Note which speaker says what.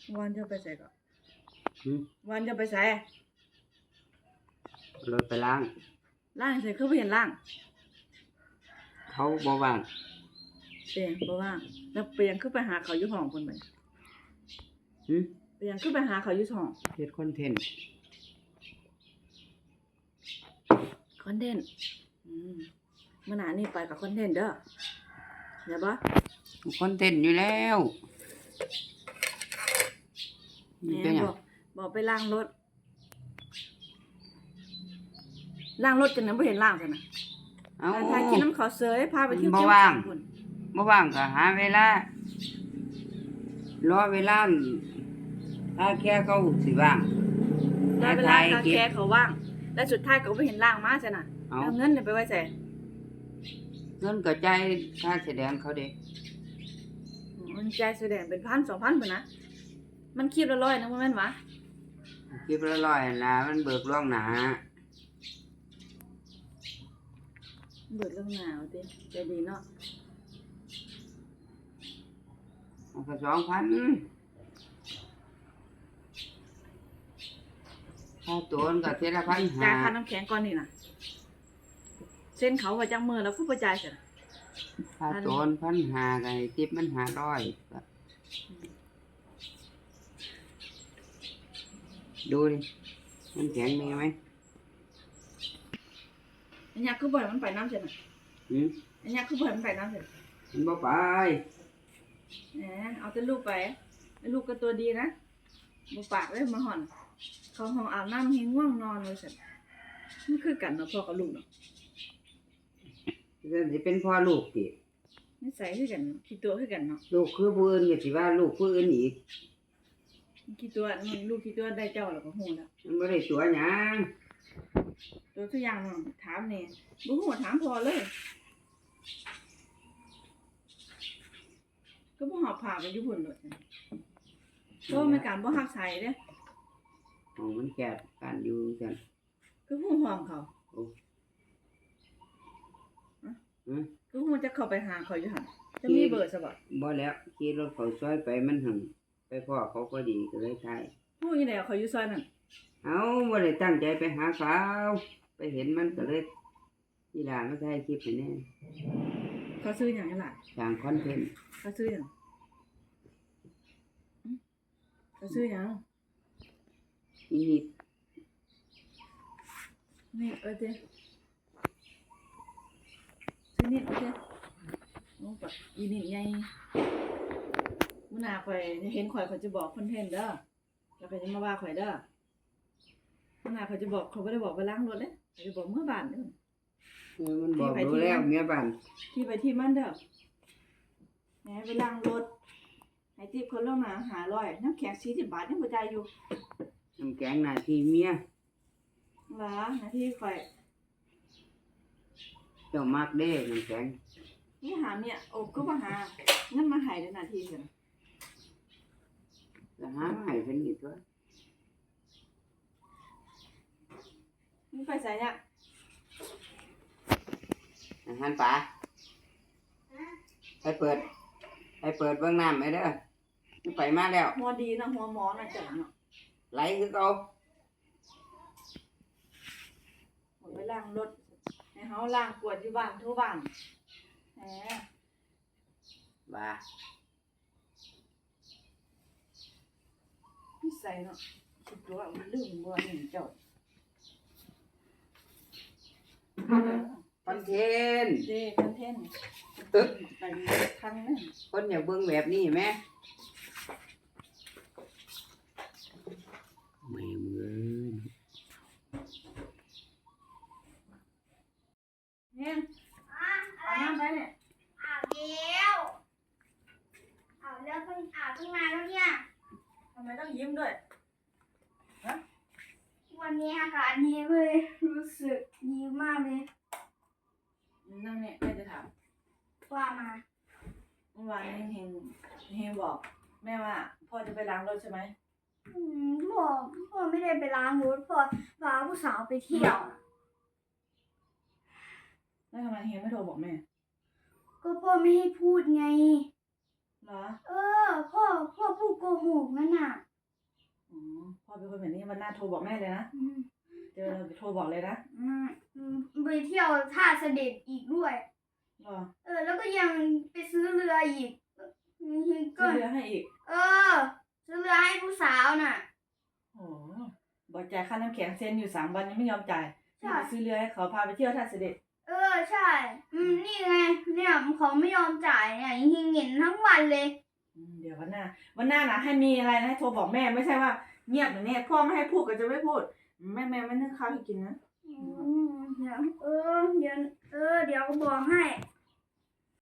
Speaker 1: วันจะไปใส่ก่อน
Speaker 2: หืม
Speaker 1: วันจะไปใส่
Speaker 2: รถไปล้าง
Speaker 1: ล่างใส่คือบ่เห็นล่าง
Speaker 2: เขาบ่ว่าง
Speaker 1: เปียงบ่ว่างแล้วเปียงคือไปหาเขาอยู่ห้องเพิ่นบัด
Speaker 2: หืม
Speaker 1: เปียงคือไปหาเขาอยู่ห้อง
Speaker 2: เฮ็ดคอนเทนต์
Speaker 1: คอนเทนต์มื้อหน้านี้ไปกับคอนเทนต์เด้อเดี๋ยวบ่
Speaker 2: คอนเทนต์อยู่แล้ว
Speaker 1: แห
Speaker 2: นี่เป็นห
Speaker 1: ม
Speaker 2: ยัง
Speaker 1: บอกไปล้างรถจังนั้นบ่เห็นล้างซั่นน่ะ
Speaker 2: เอ้า
Speaker 1: พากินน้ำข้าวเสยพาไปเที่ยว
Speaker 2: บ่
Speaker 1: เที่ยว
Speaker 2: ว่าง
Speaker 1: พุ่น
Speaker 2: บ่ว่างก็หาเวลารอเวลาถ้าแค่เขาสิว่าง
Speaker 1: ได้เวลาคาแคร์เขาว่างแล้วสุดท้ายก็บ่เห็นล้างมาซั่นน่ะ
Speaker 2: เอ้า
Speaker 1: แล้วเงินเนี่ยไปไว้ไส
Speaker 2: เงินก็จ่ายค่าแสดงเขาเด้
Speaker 1: มันจ่ายแสดงเป็น 1,000 2,000พุ่นนะมันคลิปละ100นะบ่แม่นหวะ
Speaker 2: คลิปละร้อยนะมันเบิกล่วงหน้า
Speaker 1: เบิดเรื่องหนาวติใจดีเนาะ
Speaker 2: มันก็2,000ค่าตัวมันก็เทยละ
Speaker 1: จ่ายค่า
Speaker 2: 1,500
Speaker 1: น้ำแข็งก่อนนี่น่ะเส้นเขาว่าจังมื้อแล้วคือบ่จ่ายซั่นน่ะ
Speaker 2: ค่าตัวมัน1,500ก็ให้ติปมัน500ก็ดูดิมันแข็งมีไหม
Speaker 1: อันนี้คือบ่ให้มันไปน้ำซั่นน่ะ
Speaker 2: หืม
Speaker 1: อันนี้คือบ่ให้มันไปน้ำซั่น
Speaker 2: มันบ่ไป
Speaker 1: แหมเอาแต่ลูกไปแล้วลูกก็ตัวดีนะบ่ปากเลยมาห่อน เขาห้องอาบน้ำให้ง่วงนอนเลยซั่นมันคือกันเนาะพ่อกับลูกเนาะ
Speaker 2: เรื่องสิเป็นพ่อลูกติ
Speaker 1: นิสัยคือกันเนาะขี้ตัวคือกันเนาะ
Speaker 2: ลูกคือผู้อื่นก็สิว่าลูกผู้อื่นอีก
Speaker 1: ขี้ตัวมันลูกขี้ตัวได้เจ้าแล้วก็ฮู้แล้ว
Speaker 2: มันบ่ได้ตัวหยัง
Speaker 1: ตัวทุกอย่างเนาะถามแน่บ่ฮู้ถามพ่อเลย ก็บ่หอบผ้าไปอยู่พุ่นโลดจ้ะเพราะมันการบ่ฮักใส่เด้
Speaker 2: ห้องมันแคบการอยู่กัน
Speaker 1: คือฮู้ห้องเขา
Speaker 2: โอ้หืม
Speaker 1: คือฮู้จะเข้าไปหาเขาอยู่หั่นจะมีเบอร์ซะบ่
Speaker 2: บ่แล้วขี่รถเข้าซอยไปมันหึงไปพ่อเขาก็ดีก็เลยถ่าย
Speaker 1: ฮู้อยู่แล้วเขาอยู่ซอยนั้น
Speaker 2: เอาบ่ได้ตั้งใจไปหาเขาไปเห็นมันก็เลยทีหลังมาถ่ายคลิปให้แน่
Speaker 1: เขาซื้อหยังกันล่ะ
Speaker 2: สร้างคอนเทนต์
Speaker 1: เขาซื้อหยังเขาซื้อหยัง
Speaker 2: อีนี่
Speaker 1: นี่เด้ซื้อนี่เด้โอ้ปะอีนี่ใหญ่มื้อหน้าข่อยเห็นข่อยจะบอกคอนเทนต์เด้อแล้วก็จะมาว่าข่อยเด้อมื้อหน้าข่อยจะบอกเขาบ่ได้บอกไปล้างรถเด้ข่อยจะบอกเมื่อบ้านเด้อ
Speaker 2: มันบอกรู้แล้วเมียบ้าน
Speaker 1: ที่ไปที่มันเด้อแหมไปล้างรถให้ติปคนลงมา500น้ำแข็ง40 บาทยังบ่จ่ายอยู่
Speaker 2: น้ำแกงหน้าที่เมีย
Speaker 1: หว่าหน้าที่ข่อย
Speaker 2: เจ้ามักเด้น้ำแข็ง
Speaker 1: นี่หาเมียโอ้ก็บ่หาเงินมาให้เด้อหน้าที่เพิ่น
Speaker 2: ก็หามาให้เพิ่นอีกตัว
Speaker 1: มึงไปไสเนี่ย
Speaker 2: อาหารป่าไปเปิดเบิ่งน้ำไปเด้อมันไปมาแล้ว
Speaker 1: หัวดีนะหัวหมอนะจังเนาะ
Speaker 2: ไหลคือเก่า
Speaker 1: หมดไปล้างรถให้เฮาล้างกวาดอยู่บ้านทั่วบ้านแหม
Speaker 2: ว่า
Speaker 1: นิสัยเนาะคิดว่ามันลืมบ่เห็นเจ้า
Speaker 2: คอนเทนต์
Speaker 1: เด้คอนเทนต์
Speaker 2: ตึก
Speaker 1: ไปครั้งนึง
Speaker 2: คนอยากเบิ่งแบบนี้แหมแม่มึง
Speaker 1: เนี่ยเอาน้ำไปเนี่ย
Speaker 3: อาบแล้วอาบแล้วเพิ่งอาบตั้งนานแล้วเนี่ย
Speaker 1: ทำไมต้องยิ้มด้วย
Speaker 3: วันนี้อากาศดีเลยรู้สึกดีมากเลย
Speaker 1: นั่งเนี่ยแม่จะถาม
Speaker 3: ว่ามา
Speaker 1: เมื่อวานเฮงบอกแม่ว่าพ่อจะไปล้างรถใช่ไหม
Speaker 3: พ่อไม่ได้ไปล้างรถพ่อพาผู้สาวไปเที่ยว
Speaker 1: แล้วทำไมเฮงไม่โทรบอกแม่
Speaker 3: ก็พ่อไม่ให้พูดไง
Speaker 1: เหรอ
Speaker 3: พ่อพูดโกหถูกนั่นน่ะ
Speaker 1: อ๋อพ่อเป็นคนแบบนี้วันหน้าโทรบอกแม่เลยนะ
Speaker 3: อืม
Speaker 1: เจอเราโทรบอกเลยนะ
Speaker 3: ไปเที่ยวท่าเสด็จอีกด้วย
Speaker 1: รอ
Speaker 3: แล้วก็ยังไปซื้อเรืออีกก็
Speaker 1: ซื้อเรือให้อีก
Speaker 3: ซื้อเรือให้ผู้สาวน่ะ
Speaker 1: โอ้บอกจ่ายค่าน้ำแข็งเซ็นอยู่3 วันยังไม่ยอมจ่าย
Speaker 3: ใช่
Speaker 1: ไปซื้อเรือให้เขาพาไปเที่ยวท่าเสด็จ
Speaker 3: ใช่ นี่ไง เนี่ยเขาไม่ยอมจ่ายเนี่ยยิงเงินทั้งวันเลย
Speaker 1: เดี๋ยววันหน้านะให้มีอะไรนะให้โทรบอกแม่ไม่ใช่ว่าเงียบอย่างนี้พ่อไม่ให้พูดก็จะไม่พูด แม่ไม่นึ่งข้าวให้กินนะ
Speaker 3: เดี๋ยวเดี๋ยวก็บอกให้